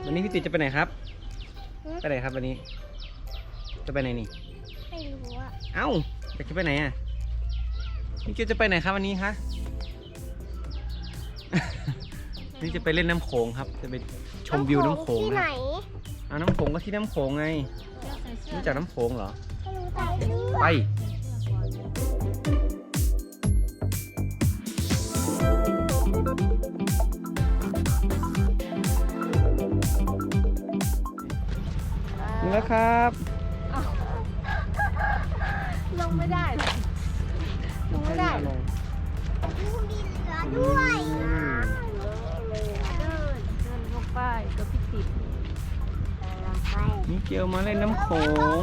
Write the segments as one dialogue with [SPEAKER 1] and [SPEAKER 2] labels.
[SPEAKER 1] วันนี้พี่ติจะไปไหนครับไปไหนครับวันนี้จะไปไหนนี่
[SPEAKER 2] ไม่รู้อะ
[SPEAKER 1] เอ้าจะไปไหนอ่ะนี่เกียวจะไปไหนครับวันนี้คะ นี่จะไปเล่นน้ำโขงครับจะไปชมวิวน้ำโขง
[SPEAKER 2] ที่
[SPEAKER 1] นะ
[SPEAKER 2] ไหน
[SPEAKER 1] เอาน้ำโขงก็ที่น้ำโขงไงรู้จักน้ำโขงเหรอ
[SPEAKER 2] ไม่รู้ใจด้วย
[SPEAKER 1] ไปนี่แล้วครับ
[SPEAKER 3] ลงไม่ได้เลยลงไม่ได้เลย
[SPEAKER 2] มีเรือด้วย
[SPEAKER 3] เดินลงไปก็พิติด
[SPEAKER 1] นี่เกียวมาเล่นน้ำโขง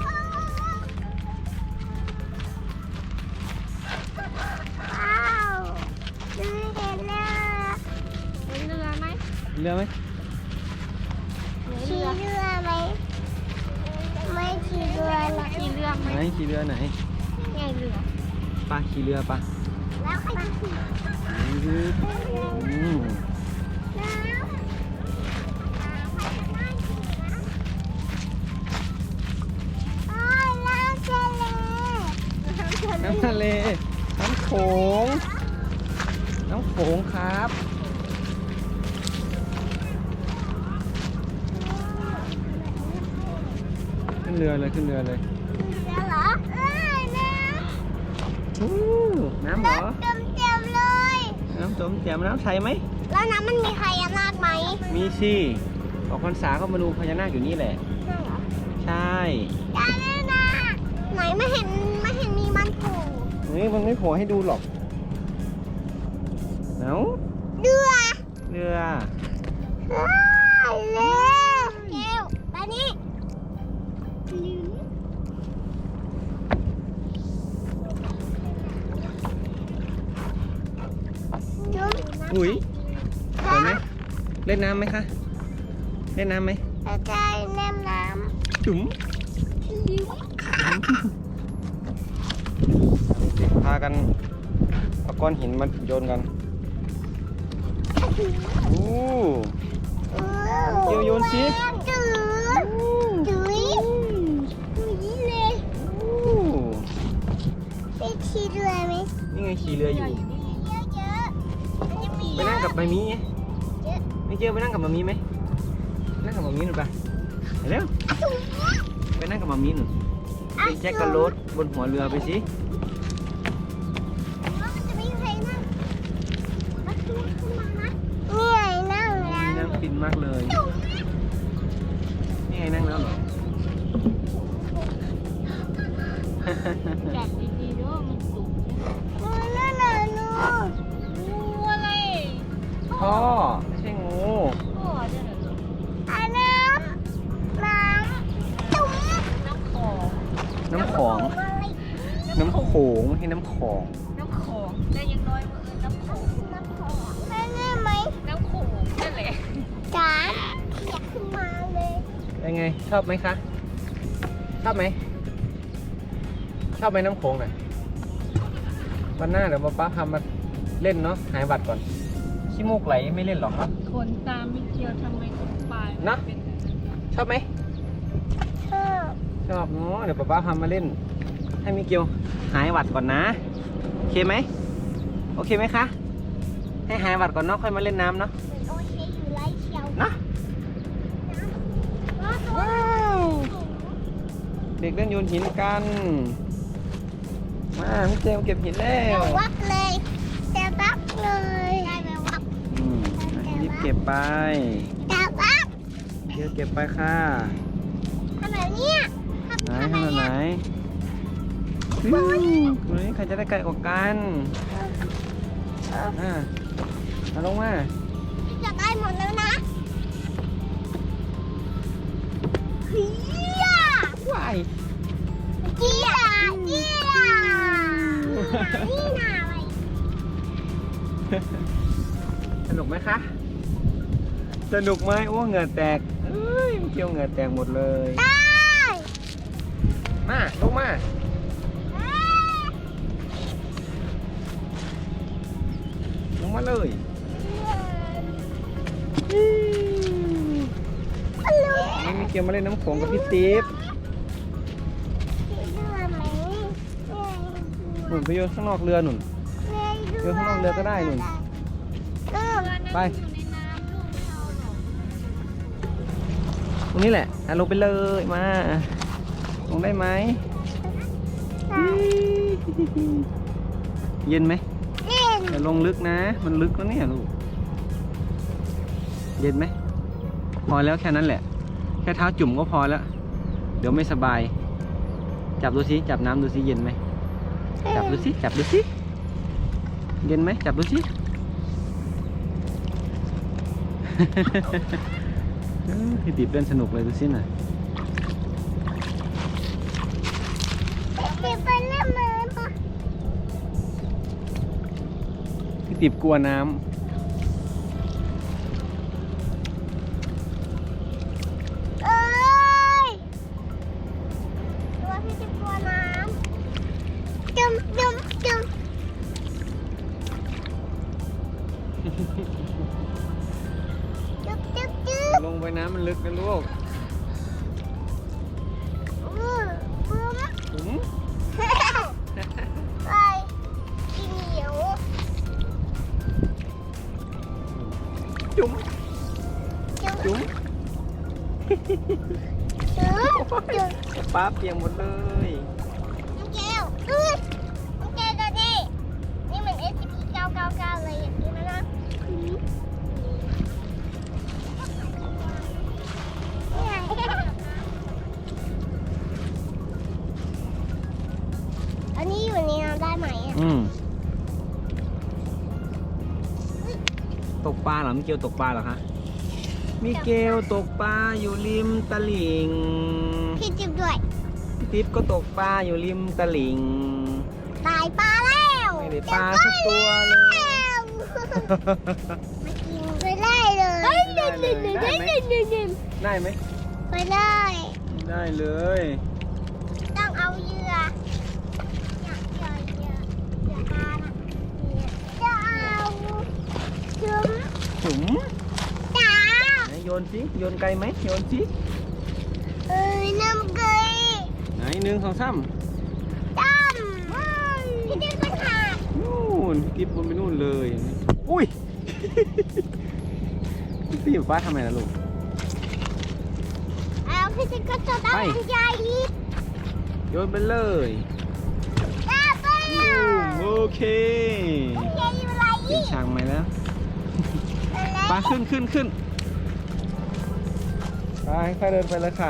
[SPEAKER 2] ว้าวเรือเห็นแล้ว
[SPEAKER 3] เห็นเรือไหม
[SPEAKER 1] เรือไหม
[SPEAKER 2] ขี่เรือไหมไม่ขี่เรือหรอก
[SPEAKER 3] ขี่เรือไหม
[SPEAKER 1] ไหนขี่เรือไหน
[SPEAKER 3] ไงเรือ
[SPEAKER 1] ปลาขี่เรือปะ
[SPEAKER 2] แล้วใครจะขี่
[SPEAKER 1] อืม น้ำทะเล น้ำโขง น้ำโขงครับ ขึ้นเรือเลยขึ้นเรือเลย
[SPEAKER 2] แล้วเหรอน้
[SPEAKER 1] น้ำเหรอ
[SPEAKER 2] ำเต็มเลย
[SPEAKER 1] น้ำจมแจ่มน้ำใสไหม
[SPEAKER 2] แล้วน้ำมันมีใครยามากไหม
[SPEAKER 1] มีสิออกพรรษาก็มาดูพญานาคอยู่นี่แหละ
[SPEAKER 2] ใช่เหรอ
[SPEAKER 1] ใช่
[SPEAKER 2] ได้เลยนะไหนไม่เห็นมีมันโผล่
[SPEAKER 1] เฮ้ยมันไม่โผล่ให้ดูหรอกเอ้า
[SPEAKER 2] เรือ
[SPEAKER 1] เรือ
[SPEAKER 2] เรือเกลไปนี่จุ๊บ
[SPEAKER 1] อุ้ยสวยไหมเล่นน้ำไหมคะ เล่นน้ำไหม
[SPEAKER 2] จะได้เล่นน้
[SPEAKER 1] จุ๋มพากันเอาก้อนหินมาโยนกันโอ้
[SPEAKER 2] ำ
[SPEAKER 1] เดี๋ยวโยนสิ
[SPEAKER 2] จืดจุ๊ยจุ๊ยเลย
[SPEAKER 1] โอ้
[SPEAKER 2] ไปขี่เรือไหม
[SPEAKER 1] นี่ไงขี่เรืออยู่
[SPEAKER 2] เยอะๆมันจะมี
[SPEAKER 1] ไปนั่งกับมามีไง
[SPEAKER 2] เยอะ
[SPEAKER 1] ไม่เจอไปนั่งกับมามีไหมนั่งกับมามีหน่อยไปเร็วไปนั่งกับมามีหน่อยไปแจ็คกับรถบนหัวเรือไปสิ
[SPEAKER 2] มันจะไม่มีใครนั่งมาขึ้นมานะนี่ไงนั่งแล้ว
[SPEAKER 1] นี่นั่งฟินมากเลยนี่ไงนั่งแล้วเหรอ
[SPEAKER 3] จับดีๆด้วยมันสูง
[SPEAKER 2] นั่นน่ะลูก
[SPEAKER 3] งูอะไร
[SPEAKER 1] พ่อไม่ใช่งู
[SPEAKER 3] พ่อเนี่ยเหรอ
[SPEAKER 2] อันน้ำจุ๊บ
[SPEAKER 3] น้ำของ
[SPEAKER 1] น้ำของ
[SPEAKER 2] อะไร
[SPEAKER 1] น้ำโขงไม่ใช่น้ำของ
[SPEAKER 3] น้ำของได้ยังน้อยว่าน้ำของ
[SPEAKER 2] น้ำของแม่แน่ไหม
[SPEAKER 3] น้ำโขงนั่นแหละ
[SPEAKER 2] จ๋าอยากขึ้นมาเลย
[SPEAKER 1] เป็นไงชอบไหมคะ ชอบไหมชอบไหมน้ำโขงน่ะวันหน้าเดี๋ยวป๊าพามาเล่นเนาะหายบัตรก่อนขี้มูกไหลไม่เล่นหรอกครับ
[SPEAKER 3] คนตามไม่เกี่ยวทำไมต้องปลาย
[SPEAKER 1] นะ
[SPEAKER 3] เป็น
[SPEAKER 1] ชอบไหม
[SPEAKER 2] ชอบ
[SPEAKER 1] ชอบเนาะเดี๋ยวป๊าพามาเล่น ให้มิเกียวหายหวัดก่อนนะโอเคไหมโอเคไหมคะให้หายหวัดก่อนเนาะค่อยมาเล่นน้ำเนาะ
[SPEAKER 2] เหมือนโอเคอยู่ไรเชียว
[SPEAKER 1] นะ ว้าวเด็กเล่นโยนหินกันมามิเกียวเก็บหินแล้
[SPEAKER 2] เดี๋ยว
[SPEAKER 1] ว
[SPEAKER 2] วับเลยเดี๋ยววับเลยได้ไหมวับ
[SPEAKER 1] อืมรีบเก็บไป
[SPEAKER 2] เดี๋ยววับ
[SPEAKER 1] เดี๋ยวเก็บไปค่ะ
[SPEAKER 2] ทำแบบเนี้ย
[SPEAKER 1] ไหนขนาดไหนอืมวันนี้ใครจะได้ไกลกว่ากันมาลงมา
[SPEAKER 2] จะได้หมดแล้วนะเฮีย
[SPEAKER 1] ว้าย
[SPEAKER 2] เจียเจียนี่นาอะไร
[SPEAKER 1] สนุกไหมคะ สนุกไหมโอ้เหงื่อแตกเอ้ยเกี่ยวเหงื่อแตกหมดเลย
[SPEAKER 2] ได้
[SPEAKER 1] มาลงมา ลงมาเลยเกียวมาเล่นน้ำโขงกับพี่ติ๊บ
[SPEAKER 2] เรือไหม
[SPEAKER 1] หนุนไปโยนข้างนอกเรือหนุน เรือข้างนอกเรือก็ได้หนุนไปตรงนี้แหละลงไปเลยมาลงได้ไหมเย็นไหมอย่าลงลึกนะมันลึกแล้วเนี่ยลูกเย็นไหมพอแล้วแค่นั้นแหละแค่เท้าจุ่มก็พอแล้วเดี๋ยวไม่สบายจับดูสิจับน้ำดูสิเย็นไหมจับดูสิจับดูสิเย็นไหมจับดูสิ พี่ติ๊บเล่นสนุกเลยดูสิน่ะ
[SPEAKER 2] ไปเล่นมือปะ
[SPEAKER 1] พี่ติ๊บกลัวน้ำ
[SPEAKER 2] เอ้ยตัวพี่จะกลัวน้ำจุ่มจุ่มจุ่มจุ๊บจุ๊บจุ๊บ
[SPEAKER 1] ลงไปน้ำมันลึกนะลูก
[SPEAKER 2] ปุ้ม
[SPEAKER 1] จุ๋ม
[SPEAKER 2] ไปกินเหนียว
[SPEAKER 1] จุ๋ม
[SPEAKER 2] จุ๊บ
[SPEAKER 1] จุ๋ม
[SPEAKER 2] จุ๊บจุ๊บ
[SPEAKER 1] ป้าเปียกหมดเลย
[SPEAKER 2] น้องแก้วน้องแก้วตัวนี้นี่เหมือน SCP-999 เลยอย่างนี้นะอันนี้อยู่ในน้ำได้ไหมอ่ะ
[SPEAKER 1] ตกปลาเหรอมิเกลตกปลาเหรอคะมิเกลตกปลาอยู่ริมตลิ่ง
[SPEAKER 2] พี่จิ๊บด้วย
[SPEAKER 1] พี่ติ๊บก็ตกปลาอยู่ริมตลิ่ง
[SPEAKER 2] ตายปลาแล้ว
[SPEAKER 1] ไม่ได้ปลาสักตัวเลย
[SPEAKER 2] มากินไปได้เลย
[SPEAKER 1] ได้ไหม
[SPEAKER 2] ไปได้
[SPEAKER 1] ได้เลย
[SPEAKER 2] ต้องเอาเหยื่อเหยื่อปลาน่ะจะเอาจุ๊ม
[SPEAKER 1] จุ๋ม
[SPEAKER 2] จ๋า
[SPEAKER 1] ไหนโยนสิโยนไกลไหมโยนสิ
[SPEAKER 2] น้ำเกย
[SPEAKER 1] ไหน1 2 3
[SPEAKER 2] ตั้มพี่จิ๊บก็ขาด
[SPEAKER 1] นู่นพี่ติ๊บบนไปนู่นเลยอุ้ย พี่อยู่ป้าทำไมล่ะลูก
[SPEAKER 2] เอาพี่จิ๊บก็จะต้อง
[SPEAKER 1] ไป
[SPEAKER 2] บรรยายลิฟต์
[SPEAKER 1] โยนไปเลย
[SPEAKER 2] ไป
[SPEAKER 1] โอเค
[SPEAKER 2] บรรยายอะไร
[SPEAKER 1] เป็นช่างใหม่แล้วไปขึ้นไปค่อยเดินไปเลยค่ะ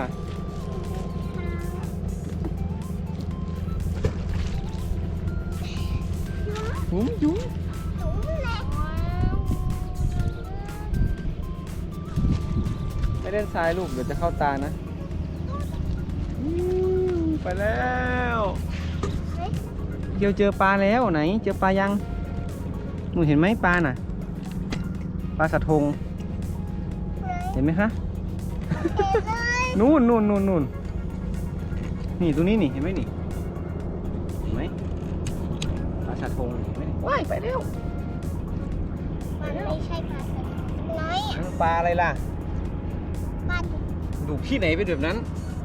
[SPEAKER 1] จุ๋มจุ๋ม
[SPEAKER 2] จุ๊มเลย
[SPEAKER 1] ไม่เล่นทรายลูกเดี๋ยวจะเข้าตานะไปแล้วเกียวเจอปลาแล้วไหนเจอปลายังหนูเห็นไหมปลาน่ะปลาสะทงเห็นไหมคะนู่นนี่ตรงนี้นี่เห็นไหมนี่เห็นไหมปลาสะทงเห็นไหมว้ายไปเร็ว
[SPEAKER 2] มันไม่ใช่ปลาสลิดน้อย
[SPEAKER 1] นั่นปลาอะไรล่ะ
[SPEAKER 2] ปลาดุก
[SPEAKER 1] ดูที่ไหนเป็นแบบนั้น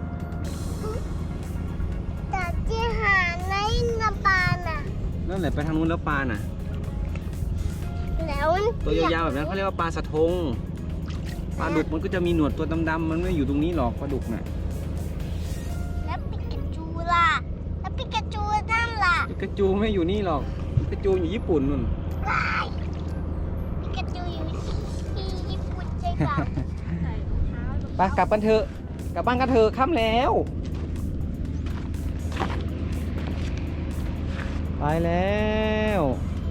[SPEAKER 2] แต่ที่หาในน้ำปลาน่ะ
[SPEAKER 1] นั่นแหละไปทางนู้นแล้วปลาน่ะ
[SPEAKER 2] แล้ว
[SPEAKER 1] ตัวยาวๆแบบนั้นเขาเรียกว่าปลาสะทงปลาดุกมันก็จะมีหนวดตัวดำๆมันไม่อยู่ตรงนี้หรอกปลาดุกน่ะ
[SPEAKER 2] แล้วปิกาจูล่ะแล้วปิกาจูนั่นล่ะ
[SPEAKER 1] ปิกาจูไม่อยู่นี่หรอกปิกาจูอยู่ญี่ปุ่นนู่น
[SPEAKER 2] ปิกาจูอยู่ที่ญี่ปุ่นใช่ปะ
[SPEAKER 3] ใส่รองเท้าลง
[SPEAKER 1] ไปกลับกันเถอะกลับบ้านกันเถอะค่ำแล้ว ไปแล้ว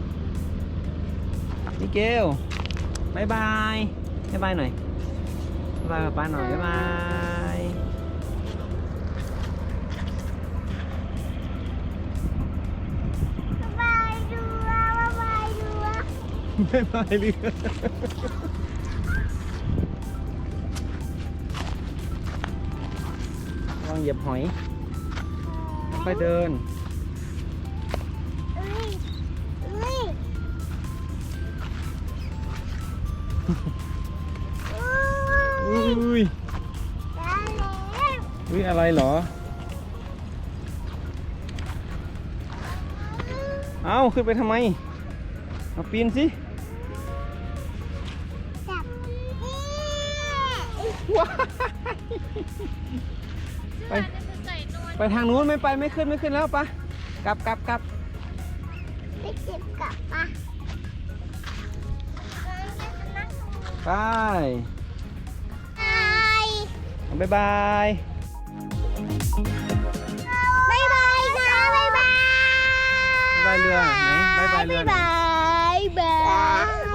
[SPEAKER 1] มิเกลบายบายบายบายหน่อยบายบายป้าหน่อยบายบาย
[SPEAKER 2] บายดูว่าบายดูว่า
[SPEAKER 1] บายบายเรือลองเหยียบหอยค่อยเดิน
[SPEAKER 2] เอ้ยเอ้ย
[SPEAKER 1] อุ้ย
[SPEAKER 2] ได้แล้ว
[SPEAKER 1] อุ๊ยอะไรเหรอ เอาขึ้นไปทำไมมาปีนสิ
[SPEAKER 2] จับนี่
[SPEAKER 1] ว้ายไปไปทางนู้นไม่ไปไม่ขึ้นแล้วปะกลับ
[SPEAKER 2] ไม่เจ็บกลับปะ
[SPEAKER 1] ไป
[SPEAKER 2] บาย
[SPEAKER 1] บ๊ายบาย
[SPEAKER 2] บายบายนะบายบาย
[SPEAKER 1] บ๊ายบายเรือไหนบ๊ายบายเรือไหน
[SPEAKER 2] บายบาย